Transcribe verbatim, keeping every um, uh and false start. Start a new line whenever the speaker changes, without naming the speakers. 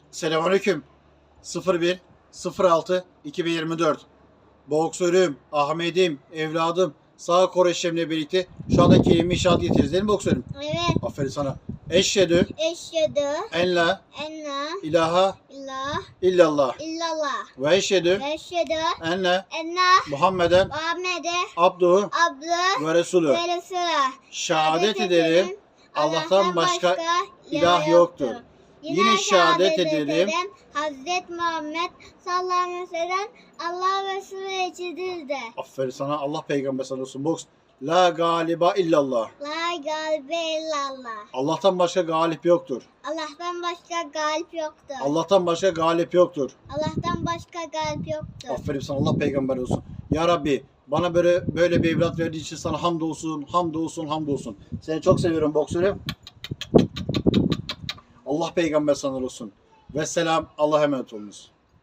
Selamünaleyküm. sıfır bir sıfır altı iki bin yirmi dört. Boksörüm, Ahmet'im, evladım sağ kor eşlemle birlikte şu anda kelime inşaat getiririz değil mi boksörüm?
Evet.
Aferin sana. Eşhedü
Eşhedü
en la
en la
ilahe
ilahe
illallah
illallah
ve eşhedü
ve eşhedü
en la
en la
Muhammeden
Muhammed'e
abduhu
abdü
ve resulü.
ve Resulü.
Şehadet ederim Allah'tan başka ilah yoktur. Yine şehadet ederim
Hazreti Muhammed sallallahu aleyhi ve sellem Allah Resulü elçisidir de.
Aferin sana, Allah peygamber sana olsun. Boks. La galiba illallah.
La galibe illallah.
Allah'tan başka galip yoktur.
Allah'tan başka galip yoktur.
Allah'tan başka galip yoktur.
Allah'tan başka galip yoktur.
Aferin sana, Allah peygamber olsun. Ya Rabbi, bana böyle böyle bir evlat verdiği için sana hamdolsun, hamdolsun, hamdolsun. Seni çok seviyorum boksörüm. Allah peygamber sana olsun. Ve selam, Allah'a emanet olunuz.